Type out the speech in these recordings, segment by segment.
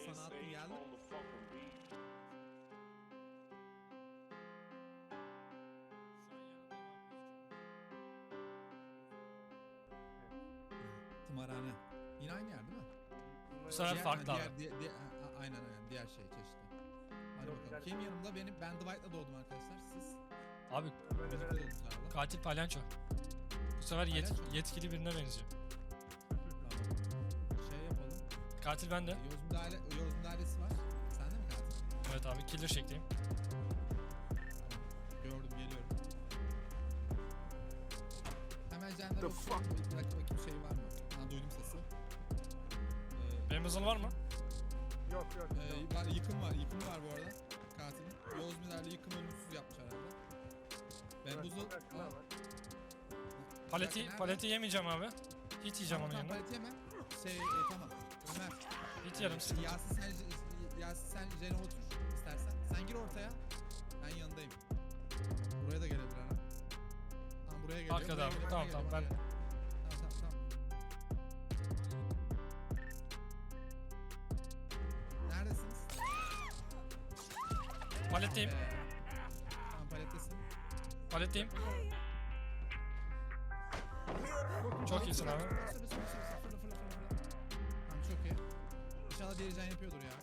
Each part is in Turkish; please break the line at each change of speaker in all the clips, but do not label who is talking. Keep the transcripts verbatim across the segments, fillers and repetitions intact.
sana attım geldi. Tımarhane. Yine aynı yer değil mi?
Bu sefer
Diğer-
farklı
diğer,
abi.
diğer, diğer- a- aynen aynen diğer şey çeşitli. Hadi
Yok,
bakalım.
güzel.
Kim yanımda? Benim ben Dwight'la doğdum arkadaşlar. Siz
Abi
Böyle
birlikte
böyle.
doğdunuz herhalde.
katil palyanço. Bu sefer yet-
Palyanço.
yetkili birine benziyor.
Tamam. Şey yapalım.
Katil bende.
Yoz müdahale, Yoz müdahalesi var. Sende mi katil?
Evet abi killer şekliyim.
Gördüm, geliyorum. Hemen jenler
The
olsun. Bir dakika bakayım şey var mı? Ha duydum sesi. Ee,
Benim hızım var mı?
Yok yok.
e,
yok.
var, yıkım var, yıkım var bu arada. Katilin. Yoz müdahale yıkım ölümsüz yapmış herhalde. Ben
Evet,
buzu...
bırak,
Aa,
var.
Paleti,
nerede?
paleti yemeyeceğim abi. Hit yiyeceğim
tamam,
onun
tamam,
yerine.
palet yeme. Şey, e, tamam. Ömer.
Hit yarım
Ee,
sıkıntı.
Yasin sen, Yasin sen Jene otur istersen. Sen gir ortaya. Ben yanındayım. Buraya da gelebilir ha. Tamam buraya geliyor.
Arkada
buraya
abi,
geliyor,
tamam,
buraya
tamam,
geliyor,
ben-
buraya geliyor. Tamam tamam tamam. Neredesiniz?
Paletteyim.
Ee, tamam palettesin.
Paletteyim. Çok iyisin abi.
Fırla, fırla, fırla, fırla, fırla, fırla, fırla. Tamam çok iyi. İnşallah diğeri can yapıyordur ya.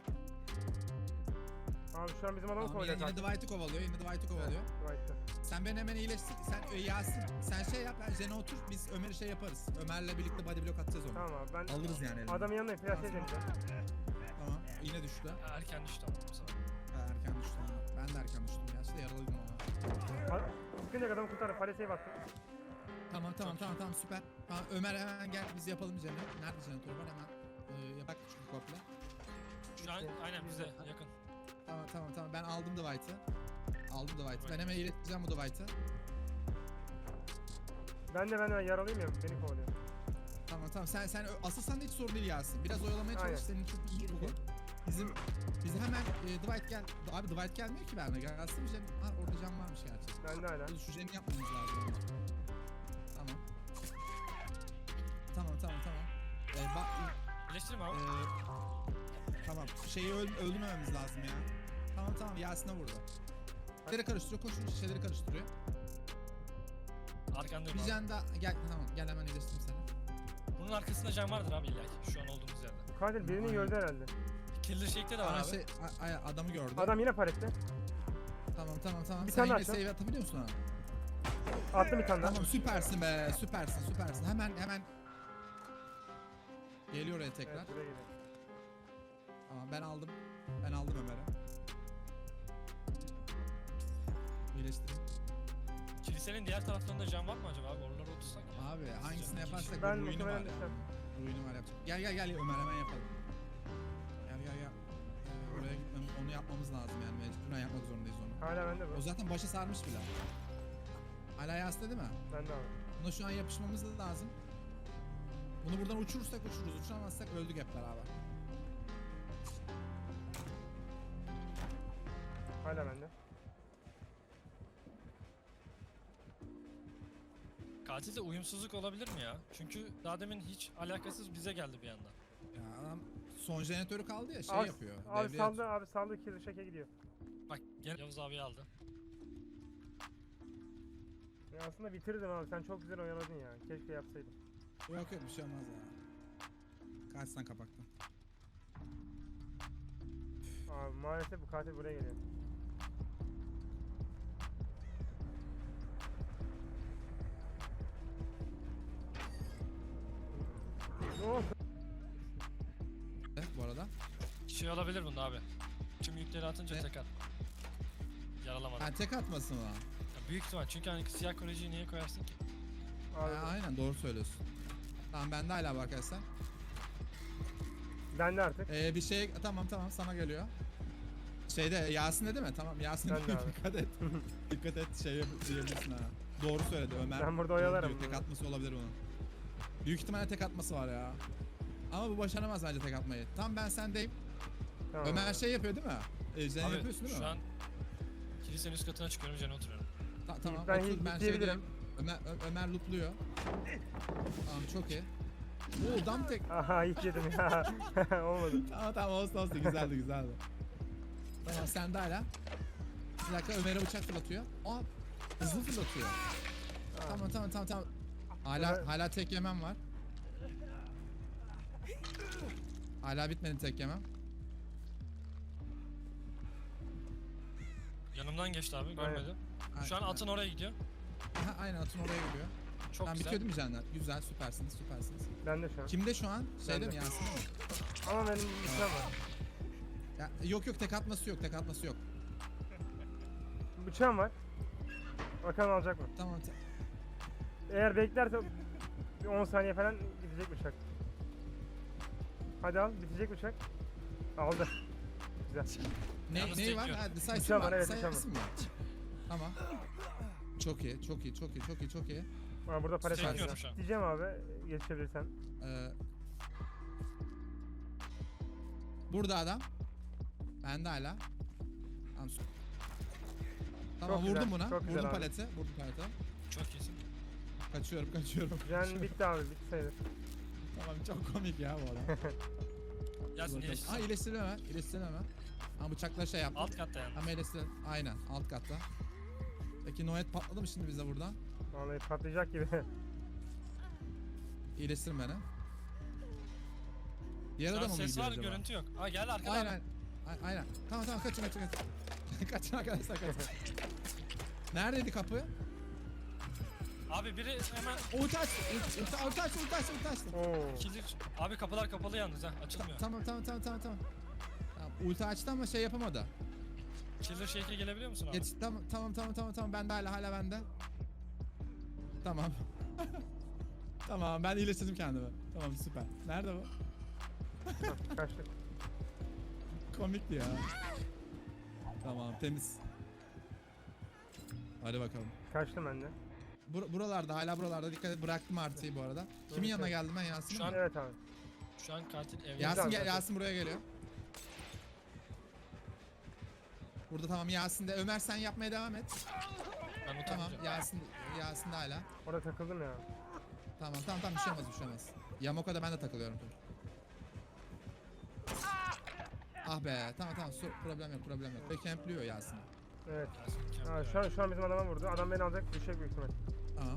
Abi şu an bizim adamı
Tamam, yine,
kovalıyor.
yine Dwight'ı kovalıyor. Yine Dwight'ı kovalıyor.
Dwight'ı.
Sen beni hemen iyileştir. Sen e, Yasin sen şey yap. Ben Jen'e otur. Biz Ömer'i şey yaparız. Ömer'le birlikte body block atacağız onu.
Tamam abi ben
Alırız yani elini.
adamın yanına flash edeceğim bize.
Tamam. Yine düştü.
Erken düştü ama bu sefer.
Ha, erken düştü. Ha. Ben de erken düştüm. Gerçi de yaralıydım ama.
Ha- Sıkınca adamı kurtarır. Paleseye baktım.
Tamam tamam tamam tamam süper. Tamam, Ömer hemen gel biz yapalım Jen'e. Nerede Jen'e var hemen. E, yapak çünkü komple.
Şu an aynen bize yakın.
Tamam tamam tamam ben aldım Dwight'ı. Aldım Dwight'ı. Ben hemen iyileştireceğim bu Dwight'ı.
Ben de ben de yaralıyım ya. Beni kovalıyor.
Tamam tamam sen sen asıl sen de hiç sorun değil Yasin. Biraz oyalamaya
Aynen.
çalış senin çok iyi bu. Bizim bizi hemen e, Dwight gel. Abi Dwight gelmiyor ki benimle. Gelsin Jen. Ha orada Jen varmış gerçekten.
Ben de hala.
Dur, şu Jen'i yapmamız lazım. önce. Tamam. Tamam tamam tamam. Ee, bak
Birleştireyim
e,
abi.
tamam. Şeyi öl, öldürmememiz lazım ya. Tamam tamam Yasin'e vurdu. Şişeleri karıştırıyor. Koşun şişeleri karıştırıyor.
Arkandayım
Bir
abi.
Jen daha gel tamam gel hemen iyileştireyim seni.
Bunun arkasında can vardır abi illa ki. Şu an olduğumuz yerde.
Bu katil birini
Aynen.
gördü herhalde.
Killer shake'te de var
Aa,
abi.
şey, a- a- adamı gördü.
Adam yine palette.
Tamam tamam tamam.
Bir
Sen
tane
yine
açalım.
save atabiliyor musun abi?
Attım bir tane daha.
Tamam süpersin be süpersin süpersin. Hemen hemen geliyor oraya tekrar.
Evet buraya geliyor.
Tamam ben aldım. Ben aldım Ömer'i. İyileştireyim.
Kilisenin diğer taraflarında can var mı acaba abi? Oralara otursak.
Abi hangisini yaparsak
Ben
bu ruinu var
muhtemelen
ya.
düşeceğim.
Ruinu var yapacak. Gel gel gel Ömer hemen yapalım. Gel gel gel. Ee, oraya gitmem, onu yapmamız lazım yani mecburen yapmak zorundayız onu.
Hala bende bu.
O zaten başı sarmış bile. Hala yasta değil mi?
Bende abi.
Buna şu an yapışmamız da lazım. Bunu buradan uçurursak uçururuz, uçuramazsak öldük hep beraber.
Hala bende.
Katilde uyumsuzluk olabilir mi ya? Çünkü daha demin hiç alakasız bize geldi bir anda.
Ya adam son jeneratörü kaldı ya şey
Abi,
yapıyor.
abi
devreye
saldı abi saldı kill şeke gidiyor.
Bak gene Yavuz abi aldı.
Ya aslında bitirdim abi sen çok güzel oynadın ya. Keşke yapsaydın.
atıyor. Yok yok bir şey olmaz ya. Kaçtan kapaktan.
Abi maalesef bu katil buraya geliyor. Oh.
Evet, bu arada.
Şey olabilir bunda abi. Tüm yükleri atınca
Ne?
tekrar. Yaralamadı.
Ha tek atmasın o.
Ya büyük ihtimal çünkü hani siyah kolejiyi niye koyarsın ki?
Abi,
Ha, aynen doğru söylüyorsun. Tamam bende hala bak arkadaşlar.
bende artık.
Ee, bir şey tamam tamam sana geliyor. Şeyde Yasin'de değil mi? Tamam Yasin'de
Ben de abi.
dikkat et. Dikkat et şey yap- diyebilirsin ha. Doğru söyledi Ömer.
Ben burada
Doğru
oyalarım
diyor, Tek
bunu.
atması olabilir bunun. Büyük ihtimalle tek atması var ya. Ama bu başaramaz bence tek atmayı. Tam ben sendeyim.
Tamam.
Ömer şey yapıyor değil mi? E, Jen
Abi
yapıyorsun değil mi?
şu an kilisenin üst katına çıkıyorum üzerine oturuyorum.
Ta- tamam
Ben
otur
hit
ben
diyebilirim.
şeydeyim. Ömer, Ö- Ömer lootluyor. Tamam çok iyi. Oo dam tek.
Aha hiç yedim ya. Olmadı.
Tamam tamam olsun olsun güzeldi güzeldi. Tamam sen de hala. Bir dakika Ömer'e bıçak fırlatıyor. Aa hızlı fırlatıyor. Tamam tamam tamam tamam. Hala
Evet.
hala tek yemem var. Hala bitmedi tek yemem.
Yanımdan geçti abi görmedi. Şu an
Aynen.
atın oraya gidiyor.
Aha, aynen atın oraya gidiyor.
Çok
Tamam
güzel.
bitiyor değil mi canlar? Güzel süpersiniz süpersiniz.
Ben de şu an.
Kimde şu an? Şeyde
Bende.
mi Yasin'de mi?
Ama benim bir şey var.
Ya, yok yok tek atması yok tek atması yok.
Bıçağım var. Bakalım alacak mı?
Tamam. ta-
Eğer beklerse bir on saniye falan gidecek bıçak. Hadi al, bitecek bıçak. Aldı. Güzel.
Ne,
Yalnız
neyi var?
tek yok.
Ha, decisive
Bıçağı
var.
var, evet,
Decisive
bıçağı var.
mi var? Tamam. Çok iyi, çok iyi, çok iyi, çok iyi, çok iyi.
Aa, burada palet var.
Çekiyorum şu an.
Diyeceğim abi, geçebilirsen.
Ee, burada adam. Ben de hala. Tamam. su- Tamam
Çok
vurdum
güzel,
buna.
çok güzel
Vurdum
abi.
paleti. Vurdum paleti.
Çok iyisin.
Kaçıyorum, kaçıyorum.
Can bitti abi, bitti sayılır.
Tamam çok komik ya bu adam.
Yasin
Aa
iyileşsin.
iyileştirme, iyileştirme. Ama bıçakla şey yaptı.
Alt katta yani.
Ama iyileştir. Aynen alt katta. Peki Noet patladı mı şimdi bize buradan?
Vallahi patlayacak gibi.
İyileştir beni. Diğer
Şu an
adama mı
ses
gidiyor
var
acaba?
görüntü yok. Aa geldi arkadan.
Aynen. A- Aynen. Tamam tamam kaçın kaçın kaçın. Kaçın arkadaşlar kaçın. Neredeydi kapı?
Abi biri hemen
Ulti açtı. Ulti ulti- ulti açtı. Ulti açtı. Ulti açtı.
Oo.
kilit. Abi kapılar kapalı yalnız ha açılmıyor.
Tamam tamam tamam tamam tamam. Tamam, ulti açtı ama şey yapamadı.
Killer Shake'e gelebiliyor musun abi?
Geç tamam tamam tamam tamam tamam bende hala hala bende. Tamam. Tamam ben iyileştirdim kendimi. Tamam süper. Nerede bu?
Hah, kaçtık.
Komikti ya. Tamam temiz. Hadi bakalım.
Kaçtım ben de.
Bur buralarda hala buralarda dikkat et bıraktım artıyı bu arada. Kimin
Evet,
yanına
evet.
geldim ben Yasin'in
Şu
mi?
an-
Evet abi.
Şu an katil evde.
Yasin
Güzel
gel
zaten.
Yasin buraya geliyor. Burada tamam Yasin de Ömer sen yapmaya devam et.
Ben bu
Tamam
tamam.
Yasin Yasin de hala.
Orada takıldım ya.
Tamam tamam tamam bir şey olmaz bir şey olmaz. Yamoko'da ben de takılıyorum. Dur. Ah be tamam tamam su- problem yok problem yok. Ve kempliyor Yasin.
Evet.
Yasin,
Ha, şu an şu an bizim adama vurdu. Adam beni alacak, düşecek büyük ihtimal.
Tamam.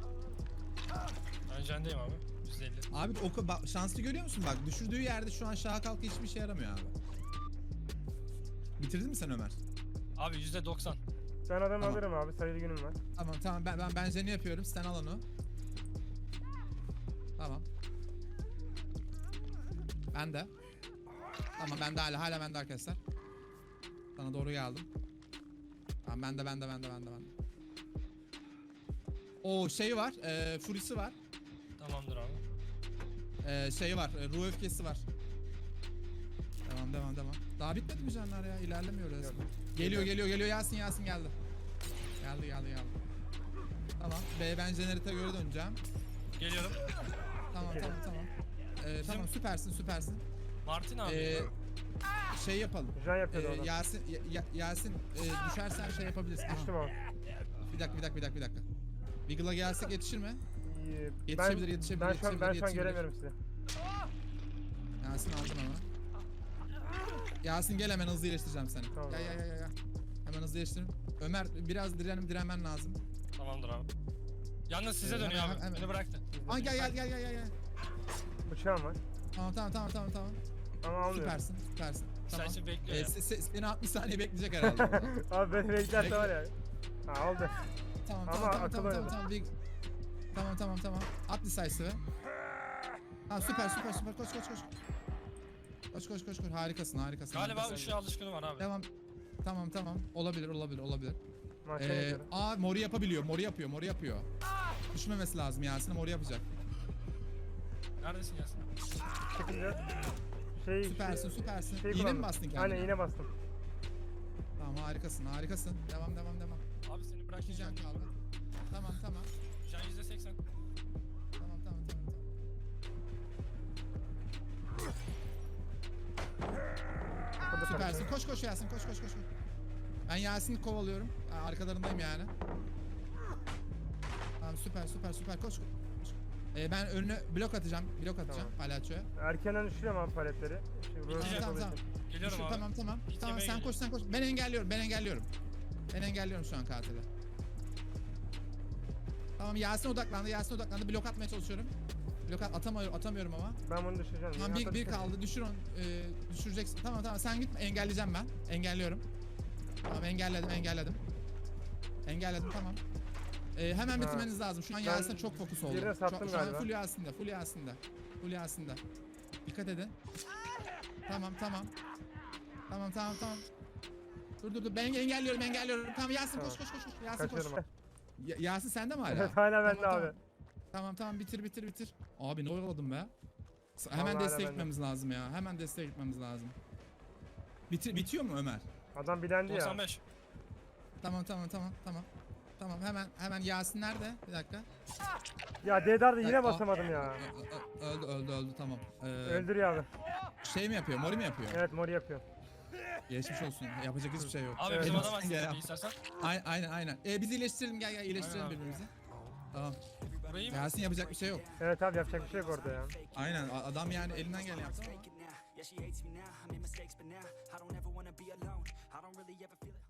Ben jendeyim abi. yüzde elli.
Abi o ka- bak, şanslı görüyor musun bak düşürdüğü yerde şu an şaha kalkı hiçbir şey yaramıyor abi. Bitirdin mi sen Ömer?
Abi yüzde doksan.
Ben adamı
Tamam.
alırım abi, sayılı günüm var.
Tamam tamam ben ben benzerini yapıyorum sen al onu. Tamam. Ben de. Tamam ben de hala hala ben de arkadaşlar. Sana doğru geldim. Tamam ben de ben de ben de ben de ben de. O şey var, e, Fury'si var.
Tamamdır abi.
E, şey var, e, ruh öfkesi var. Devam devam devam. Daha bitmedi mi canlar ya? İlerlemiyor resmen. Geliyor geliyor geliyor Yasin Yasin geldi. Geldi geldi geldi. Tamam. B ben jenerite göre döneceğim.
Geliyorum.
Tamam tamam tamam. Ee, tamam süpersin süpersin.
Martin abi.
Ee, şey yapalım.
Can yapıyordu
Ee,
orada.
Yasin Ya- Ya- Yasin e, düşersen şey yapabilirsin. Aha.
Düştüm abi.
Bir dakika bir dakika bir dakika bir dakika. Wiggle'a gelsek yetişir mi?
İyi.
Yetişebilir,
ben,
yetişebilir,
Ben şu an, ben şu an
yetişebilir,
göremiyorum sizi.
Yasin aldın ama. Yasin gel hemen hızlı iyileştireceğim seni.
Tamam.
Gel gel gel gel. Hemen hızlı iyileştirin. Ömer biraz direnim direnmen lazım.
Tamamdır abi. Yalnız size
Ee,
dönüyor
hemen-
abi.
hemen-
Beni bıraktı.
Aa gel gel gel gel gel. gel.
Bıçağım var.
Tamam tamam tamam tamam tamam.
Ama almıyorum.
Süpersin süpersin. Tamam.
Sensin bekliyor
Ee,
ya.
se- se- seni altmış saniye bekleyecek herhalde. orada.
Abi beni beklerse var ya. Ha aldı.
Tamam
Ama
tamam tamam
akıl
tamam tamam
oynadı.
tamam Big. Tamam tamam tamam. At decisive'ı. Tamam süper süper süper koş koş koş. Koş koş koş koş harikasın harikasın.
Galiba
harikasın.
ışığa alışkını var abi.
Devam. Tamam tamam olabilir olabilir olabilir.
Maçta
Ee,
gidiyorum.
aa mori yapabiliyor mori yapıyor mori yapıyor. Düşmemesi lazım Yasin'e mori yapacak.
Neredesin Yasin?
Çıkınca şey
Süpersin süpersin.
şey
İğne mi
kullandım.
bastın kendine?
Aynen iğne bastım.
Tamam harikasın harikasın. Devam devam devam.
Abi seni
İki
bırakmayacağım.
can kaldı. Tamam tamam.
Can yüzde seksen.
Tamam tamam tamam tamam.
Burada
Süpersin.
takılıyor.
Koş koş Yasin koş koş koş. koş. Ben Yasin'i kovalıyorum. Ha, arkalarındayım yani. Tamam süper süper süper koş. koş. Ee, ben önüne blok atacağım. Blok atacağım palyaçoya.
Erkenden düşürüyorum abi paletleri. Şimdi
Tamam
burası
Biteceğim,
tamam
olduğu
tamam.
için.
Geliyorum
Düşür,
abi.
tamam tamam.
Hiç
Tamam
yemeğe
sen
geliyor.
koş sen koş. Ben engelliyorum ben engelliyorum. Ben engelliyorum şu an katili. Tamam Yasin odaklandı Yasin odaklandı. Blok atmaya çalışıyorum. Blok at, atamıyorum, atamıyorum ama.
Ben bunu düşüreceğim.
Tamam bir,
Hatta
bir
düşür-
kaldı düşür onu. Ee, düşüreceksin. Tamam tamam sen gitme engelleyeceğim ben. Engelliyorum. Tamam engelledim engelledim. Engelledim tamam. Ee, hemen
Ha.
bitirmeniz lazım. Şu an
Ben
Yasin'e çok fokus oldu.
birine
Şu, an-
sattım
şu an
galiba.
full Yasin'de full Yasin'de. Full Yasin'de. Dikkat edin. Tamam tamam. Tamam tamam tamam. Dur dur dur ben engelliyorum engelliyorum. Tamam Yasin koş
Tamam.
koş koş. koş. Yasin koş.
Kaçıyorum abi.
Ya- Yasin sende mi hala?
Evet hala bende
Tamam,
abi.
tamam. Tamam tamam bitir bitir bitir. Abi ne oyaladım be. S- Hemen
Vallahi
desteğe
hala
gitmemiz lazım ya. Hemen desteğe gitmemiz lazım. Bitir, bitiyor mu Ömer?
Adam bilendi ya.
doksan beş.
Tamam tamam tamam tamam. Tamam hemen hemen Yasin nerede? Bir dakika.
Ya Dedar'da yine
Aa.
basamadım ya.
Ö- ö- Öldü öldü öldü tamam. Ee,
Öldürüyor abi.
şey mi yapıyor? Mori mi yapıyor?
Evet mori yapıyor.
Geçmiş olsun. Yapacak hiçbir şey yok.
Abi
Evet.
bizim adam
Elimizden gelen-
aslında istersen.
Aynen aynen aynen. Ee, biz iyileştirelim gel gel iyileştirelim
Aynen abi.
birbirimizi. Tamam.
Burayı mı?
Yasin yapacak bir şey yok.
Evet abi yapacak bir şey yok orada ya.
Aynen a- adam yani elinden gelen yaptı ama.
Yeah, she hates me now. I made mistakes, but now I don't ever wanna be alone. I don't really ever feel it.